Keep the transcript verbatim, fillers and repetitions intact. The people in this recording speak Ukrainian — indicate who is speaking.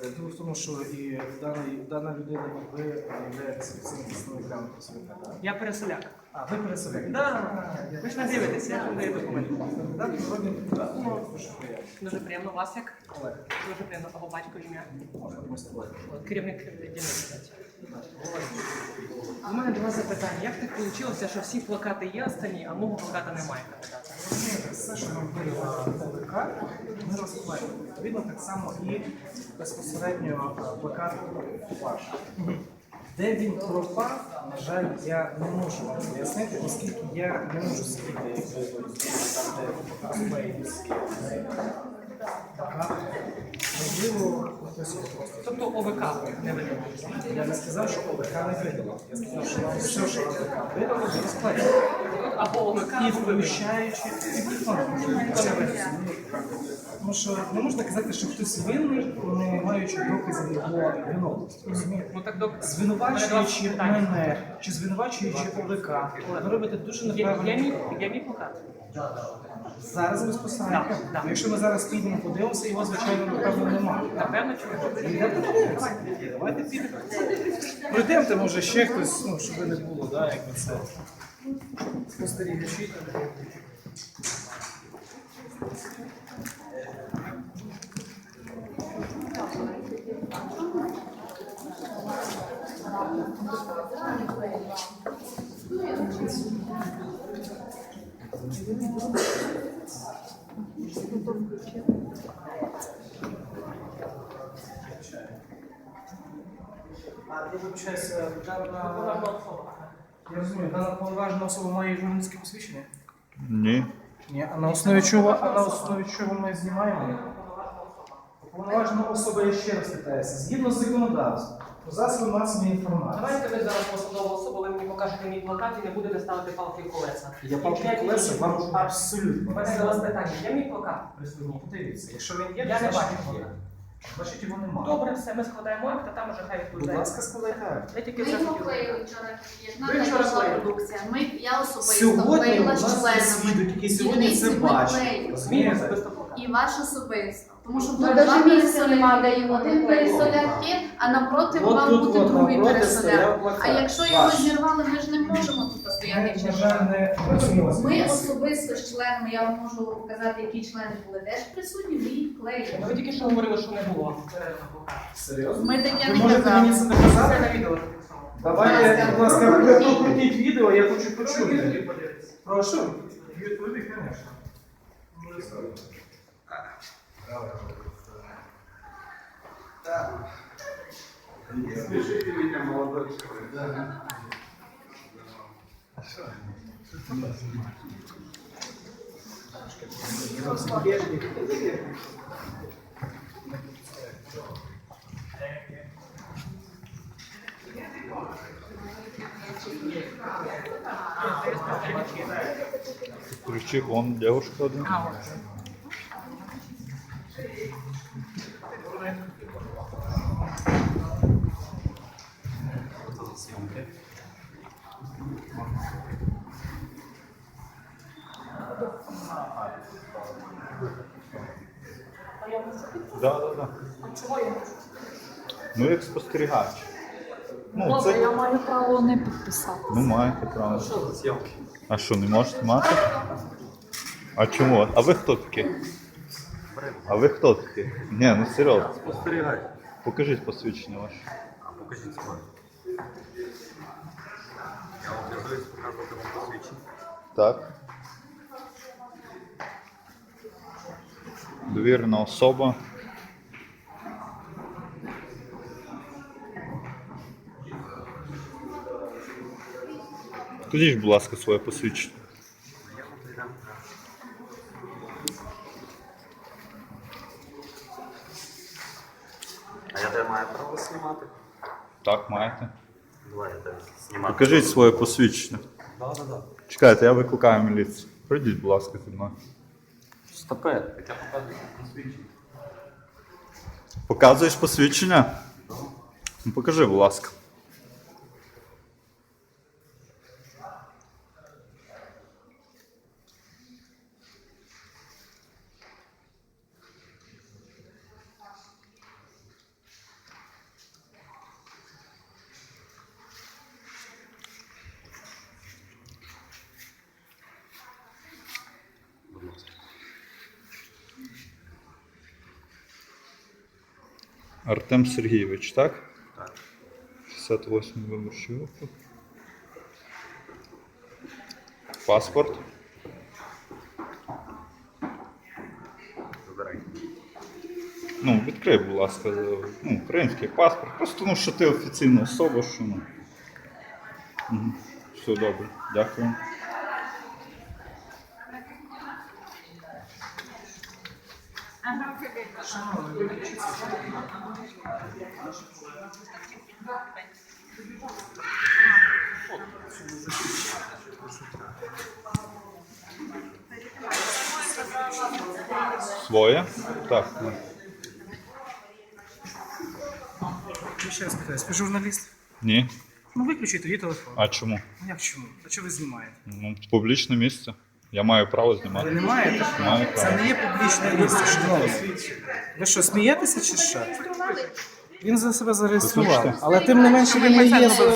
Speaker 1: Діло в тому, що і даний, дана людина, ви являєтеся цим представниками працівника, так?
Speaker 2: Я переселяк.
Speaker 1: А, ви переселяк?
Speaker 2: Да. Ви ж не дивитеся, я вам даю документи.
Speaker 1: Так, народний депутат. Ну, дуже приємно.
Speaker 2: Дуже приємно. Вас як?
Speaker 1: Олег,
Speaker 2: Дуже приємно. Або батько ім'я.
Speaker 1: можна ми з тобою?
Speaker 2: Керівник дільниці. У мене до вас запитання. Як так вийшло, що всі плакати є останні, а мого плаката немає кандидата?
Speaker 1: Розумієте, все, що нам вирішила ОВК, ми розкладаємо. Відповідно, так само і безпосередньо е, плакат ваш. Де він пропав, на жаль, я не можу вам пояснити, оскільки я не можу сидіти, як ви там, де розклеєні всі плакати. Можливо, хтось його просто.
Speaker 2: Тобто ОВК не видно.
Speaker 1: Я не сказав, що ОВК не видало. Я сказав, що вам все, що ОВК видало, ви розкладаєте.
Speaker 2: Або ОВК,
Speaker 1: І
Speaker 2: або ви.
Speaker 1: включаючи тому що не можна казати, що хтось винний, не маючи доказів його виновності. Розумієте?
Speaker 2: Ну так док...
Speaker 1: Звинувачуючи мене чи звинувачуючи ОВК, ви робите дуже
Speaker 2: Я, я,
Speaker 1: неправильно.
Speaker 2: мій, я мій плакат.
Speaker 1: Зараз безпосередньо.
Speaker 2: Так, так.
Speaker 1: Якщо ми зараз підемо подивимося, його, звичайно, напевно, немає.
Speaker 2: Напевно, чому?
Speaker 1: Йдемо подивимося. Давайте підемо. Пройдемте, може, ще хтось, ну, щоб не було, да, як би це. Спостерігачі. А я вибачаюся, дана... Я розумію, дана повноважена особа має журналістське посвідчення?
Speaker 3: Ні.
Speaker 1: Ні, а на основі чого, а на основі чого ми знімаємо? Повноважена особа, я ще раз питаюся, згідно з законодавством, про засоби масової інформації.
Speaker 2: Давайте ви зараз посадова особа, ви мені покажете мій плакат і не будете ставити палки в колеса.
Speaker 1: Я палки в колеса вам абсолютно.
Speaker 2: У мене до вас питання. Є мій плакат присутній?
Speaker 1: Подивіться, якщо він є,
Speaker 2: Я
Speaker 1: то
Speaker 2: не
Speaker 1: значить
Speaker 2: бачу.
Speaker 1: є. Значить його немає.
Speaker 2: Добре, все, ми складаємо акт, а там уже хай
Speaker 1: Будь
Speaker 2: відповідає.
Speaker 1: ласка, складайте.
Speaker 2: Я тільки
Speaker 4: Ми
Speaker 2: це
Speaker 4: його
Speaker 2: хотіла.
Speaker 4: клеїли вчора, як
Speaker 2: Ви вчора
Speaker 4: наша
Speaker 2: клеїли?
Speaker 4: продукція. Ми, я особисто
Speaker 1: Сьогодні у
Speaker 4: клеїла
Speaker 1: нас
Speaker 4: з
Speaker 1: є
Speaker 4: членами.
Speaker 1: свідок, який сьогодні
Speaker 4: Дільниці
Speaker 1: це
Speaker 4: ми
Speaker 1: бачить.
Speaker 4: клеїли.
Speaker 2: Мій
Speaker 1: Розумієте?
Speaker 2: особисто плакат.
Speaker 4: І ваш особисто. Тому що
Speaker 5: Ну,
Speaker 4: тут
Speaker 5: навіть
Speaker 4: два
Speaker 5: місця нема, де його
Speaker 4: Один
Speaker 5: наклеїти.
Speaker 4: пересоляк є, а напроти
Speaker 1: От
Speaker 4: мав
Speaker 1: тут
Speaker 4: бути
Speaker 1: от
Speaker 4: другий
Speaker 1: напроти
Speaker 4: пересоляк.
Speaker 1: стояв плакат.
Speaker 4: А якщо його
Speaker 1: Ваш.
Speaker 4: зірвали, ми ж не можемо тут
Speaker 1: Ми,
Speaker 4: стояти
Speaker 1: на
Speaker 4: через.
Speaker 1: жаль, не працюємо з
Speaker 4: Ми
Speaker 1: цим.
Speaker 4: особисто з членами, я вам можу показати, які члени були теж присутні, ми їх клеїли.
Speaker 2: Ви тільки що говорили, що не було.
Speaker 1: Серйозно?
Speaker 4: Ми таке
Speaker 1: Ви
Speaker 4: не
Speaker 1: можете мені це
Speaker 4: казали.
Speaker 2: Це
Speaker 1: доказати?
Speaker 2: на відео зафіксовано.
Speaker 1: Давайте, будь ласка,
Speaker 4: Будь
Speaker 1: ви
Speaker 4: ласка.
Speaker 1: покрутіть відео, я хочу почути. Прошу. Відповіді, звісно.
Speaker 6: Смешите меня, молодой человек. Да.
Speaker 3: Ключи, вон девушка одна.
Speaker 2: А, от.
Speaker 3: Да, да, да.
Speaker 2: Чого я можу?
Speaker 3: Ну як спостерігач. Ну,
Speaker 5: Добре,
Speaker 3: це...
Speaker 5: я маю право не підписати.
Speaker 3: Ну маєте право. А що, не можете мати? А чому? А ви хто такі? А ви хто такі? Ні, ну серйозно.
Speaker 6: Спостерігай.
Speaker 3: Покажіть посвідчення ваше.
Speaker 6: А покажіть своє. Я вам обов'язуюсь показувати вам посвідчення.
Speaker 3: Так. Довірена особа. Скажіть, будь ласка, своє посвідчення.
Speaker 6: Я вам прийдам. А я тебе маю право знімати?
Speaker 3: Так, маєте.
Speaker 6: Давай я тебе знімати.
Speaker 3: Покажіть своє посвідчення.
Speaker 6: Да, да, да.
Speaker 3: Чекайте, я викликаю міліцію. Прийдіть, будь ласка, зі мною.
Speaker 6: Стопе, я показую посвідчення.
Speaker 3: Показуєш посвідчення? Ну, покажи, будь ласка. Артем Сергійович, так?
Speaker 6: Так.
Speaker 3: шістдесят восьмий виборчий округ. Паспорт.
Speaker 6: Вибирай.
Speaker 3: Ну, відкрий, будь ласка, ну, український паспорт. Просто ну, що ти офіційна особа, що ну. Угу. Все добре, дякую. Своє? Так. ну.
Speaker 1: Я ще раз питаю, ви журналіст?
Speaker 3: Ні.
Speaker 1: Ну виключіть тоді телефон.
Speaker 3: А чому?
Speaker 1: Ну як чому? А чого ви знімаєте?
Speaker 3: Ну, публічне місце. Я маю право
Speaker 1: Ви
Speaker 3: знімати.
Speaker 1: не маєте права.
Speaker 3: Маю
Speaker 1: Це
Speaker 3: право.
Speaker 1: не є публічне місце, шановні. Ви що, смієтеся чи що? Він за себе зареєстрував,
Speaker 3: Послухайте.
Speaker 1: але тим не менше він не є